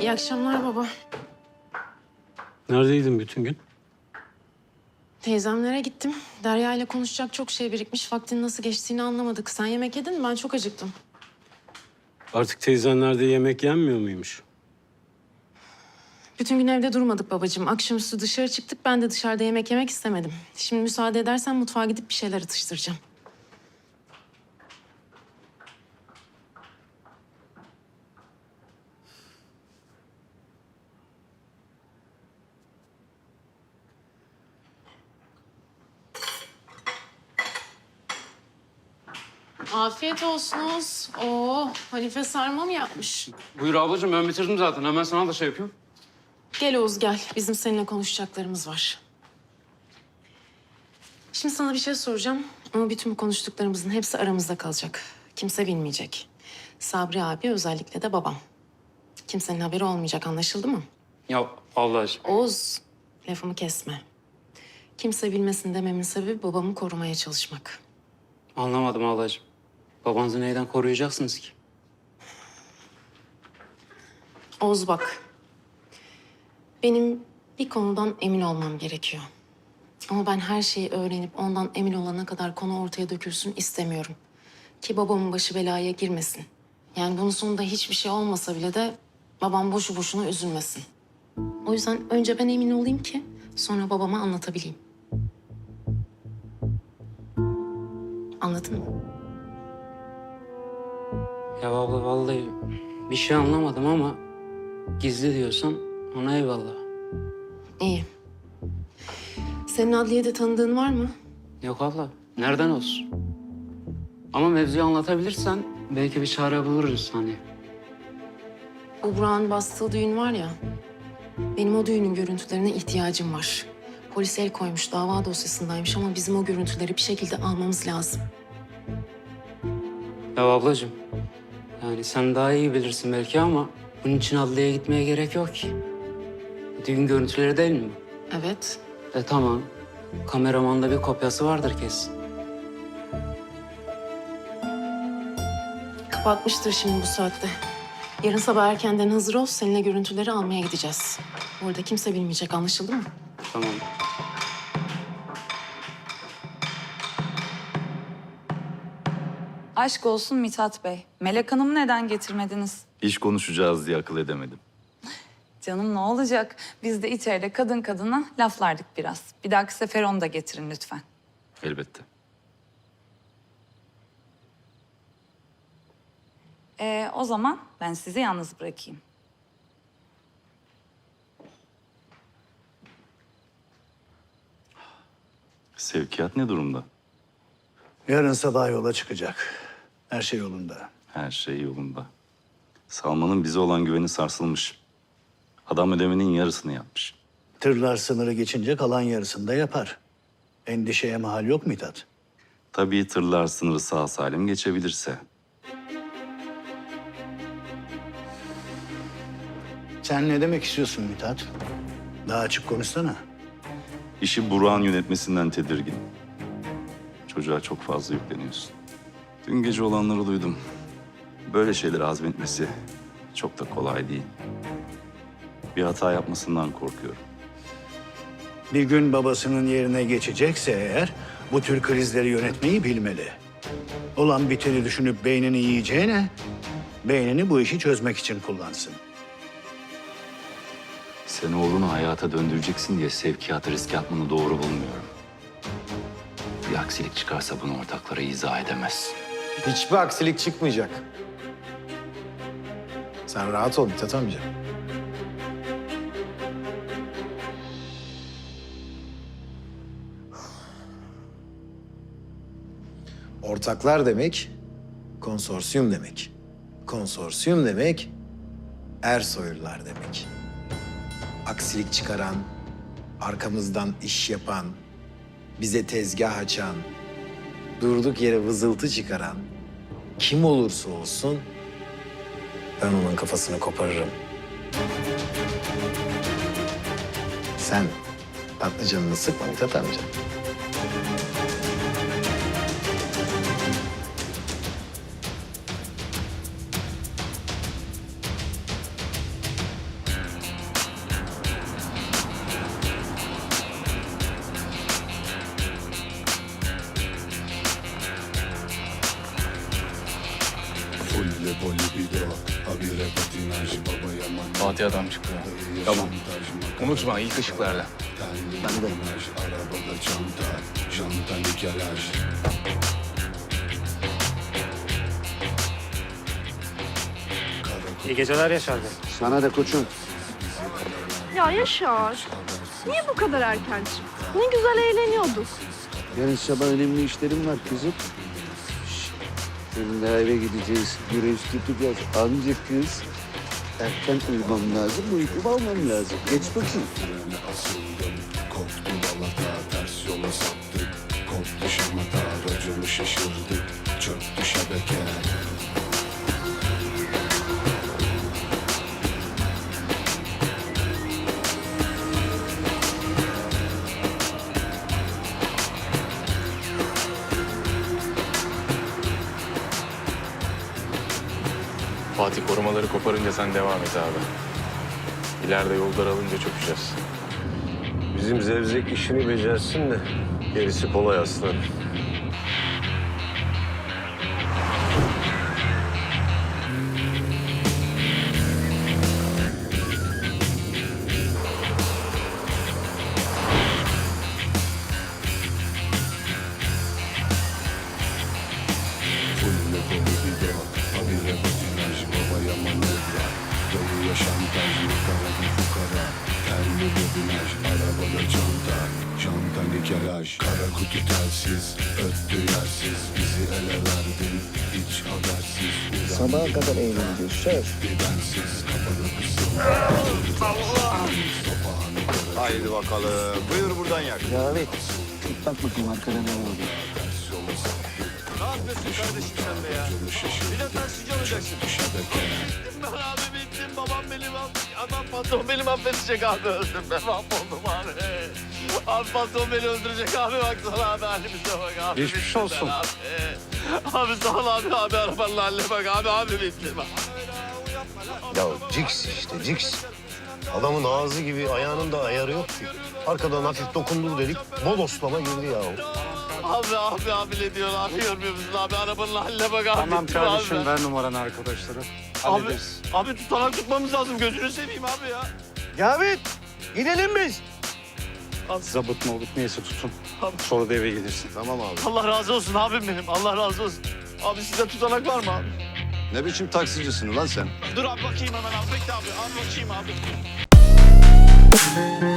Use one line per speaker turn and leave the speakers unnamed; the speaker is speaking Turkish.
İyi akşamlar baba.
Neredeydin bütün gün?
Teyzemlere gittim. Derya ile konuşacak çok şey birikmiş. Vaktin nasıl geçtiğini anlamadık. Sen yemek yedin mi? Ben çok acıktım.
Artık teyzenlerde yemek yenmiyor muymuş?
Bütün gün evde durmadık babacığım. Akşamüstü dışarı çıktık. Ben de dışarıda yemek yemek istemedim. Şimdi müsaade edersen mutfağa gidip bir şeyler atıştıracağım. Afiyet olsunuz. Oo, Hanife sarma mı yapmış?
Buyur ablacığım, ben bitirdim zaten. Hemen sana da şey yapıyorum.
Gel Oğuz gel. Bizim seninle konuşacaklarımız var. Şimdi sana bir şey soracağım. Ama bütün bu konuştuklarımızın hepsi aramızda kalacak. Kimse bilmeyecek. Sabri abi özellikle de babam. Kimsenin haberi olmayacak, anlaşıldı mı?
Ya ablacığım.
Oğuz, lafımı kesme. Kimse bilmesin dememin sebebi babamı korumaya çalışmak.
Anlamadım ablacığım. Babanızı neyden koruyacaksınız ki?
Oğuz bak. Benim bir konudan emin olmam gerekiyor. Ama ben her şeyi öğrenip ondan emin olana kadar konu ortaya dökülsün istemiyorum. Ki babamın başı belaya girmesin. Yani bunun sonunda hiçbir şey olmasa bile de babam boşu boşuna üzülmesin. O yüzden önce ben emin olayım ki sonra babama anlatabileyim. Anladın mı?
Ya abla vallahi bir şey anlamadım ama gizli diyorsan ona eyvallah.
İyi. Senin adliyede tanıdığın var mı?
Yok abla, nereden olsun? Ama mevzuyu anlatabilirsen belki bir çare buluruz hani.
Bu Burak'ın bastığı düğün var ya. Benim o düğünün görüntülerine ihtiyacım var. Polis el koymuş, dava dosyasındaymış ama bizim o görüntüleri bir şekilde almamız lazım.
Ya ablacığım, yani sen daha iyi bilirsin belki ama bunun için adliyeye gitmeye gerek yok ki. Düğün görüntüleri değil mi bu?
Evet.
Tamam. Kameramanda bir kopyası vardır kesin.
Kapatmıştır şimdi bu saatte. Yarın sabah erkenden hazır ol, seninle görüntüleri almaya gideceğiz. Orada kimse bilmeyecek, anlaşıldı mı?
Tamam.
Aşk olsun Mithat Bey. Melek Hanım'ı neden getirmediniz?
İş konuşacağız diye akıl edemedim.
Canım ne olacak? Biz de içeride kadın kadına laflardık biraz. Bir dahaki sefer onu da getirin lütfen.
Elbette.
O zaman ben sizi yalnız bırakayım.
Sevkiyat ne durumda?
Yarın sabah yola çıkacak. Her şey yolunda.
Her şey yolunda. Salman'ın bize olan güveni sarsılmış. Adam ödemenin yarısını yapmış.
Tırlar sınırı geçince kalan yarısını da yapar. Endişeye mahal yok Mithat.
Tabii tırlar sınırı sağ salim geçebilirse.
Sen ne demek istiyorsun Mithat? Daha açık konuşsana.
İşi Burak'ın yönetmesinden tedirgin. Çocuğa çok fazla yükleniyorsun. Dün gece olanları duydum. Böyle şeyleri hazmetmesi çok da kolay değil. Bir hata yapmasından korkuyorum.
Bir gün babasının yerine geçecekse eğer bu tür krizleri yönetmeyi bilmeli. Olan biteni düşünüp beynini yiyeceğine beynini bu işi çözmek için kullansın.
Sen oğlunu hayata döndüreceksin diye sevkiyatı riske atmanı doğru bulmuyorum. Bir aksilik çıkarsa bunu ortaklara izah edemez.
Hiçbir aksilik çıkmayacak. Sen rahat ol Mithat amca. Ortaklar demek, konsorsiyum demek. Konsorsiyum demek, Ersoylular demek. Aksilik çıkaran, arkamızdan iş yapan, bize tezgah açan, durduk yere vızıltı çıkaran kim olursa olsun ben onun kafasını koparırım. Sen tatlı canını sıkma Mithat amca.
Fatih adam çıktı. Tamam. Unutma ilk ışıklarda.
Ben de.
İyi geceler Yaşar Bey.
Sana da koçum.
Ya Yaşar, niye bu kadar erken çıktın? Ne güzel eğleniyorduk.
Yarın sabah önemli işlerim var kızım. Şşt. Yarın daha eve gideceğiz. Güreş tutacağız. Anca kız. Erken uyumam lazım. Uykumu almam lazım. Geç bakayım.
Fatih korumaları koparınca sen devam et abi. İleride yol daralınca çökeceğiz.
Bizim zevzek işini becersin de gerisi kolay aslanım.
Kara kutu telsiz, öttü yersiz. Bizi ele verdin, hiç habersiz.
Sabaha kadar eğleneceğiz. Söz.
Bensiz kapalı kısım.
Haydi bakalım. Buyur buradan yak.
Cavit. Bak bakayım arkada ne oldu.
Ne yapıyorsun kardeşim sen be ya? Bir de taksici olacaksın. Ben abi bittim. Babam benim adam patron beni affedecek abi. Öldüm ben mahvoldum abi. Abi patron beni öldürecek abi. Baksana abi halimize bak abi.
Geçmiş
bittim
olsun.
ben Abi sağ ol abi arabanın haline bak abi bittim.
Ya Cix işte Cix. Adamın ağzı gibi ayağının da ayarı yok ki. Arkadan hafif dokundu dedik, bodoslama girdi ya.
Abi ne diyor abi görmüyor musun abi arabanın haline bak abi.
Tamam
bittim
kardeşim
abi.
ver numaranı arkadaşlara.
Abi,
Hallederiz.
abi tutanak tutmamız lazım gözünü seveyim abi ya.
Cavit, gidelim biz.
Zabıt mı olup neyse tutun.
Abi.
Sonra da eve gelirsin.
Tamam abi.
Allah razı olsun abim benim. Allah razı olsun. Abi sizde tutanak var mı abi?
Ne biçim taksicisin lan sen?
Dur abi bakayım hemen abi. Bekle abi. Abi bakayım abi.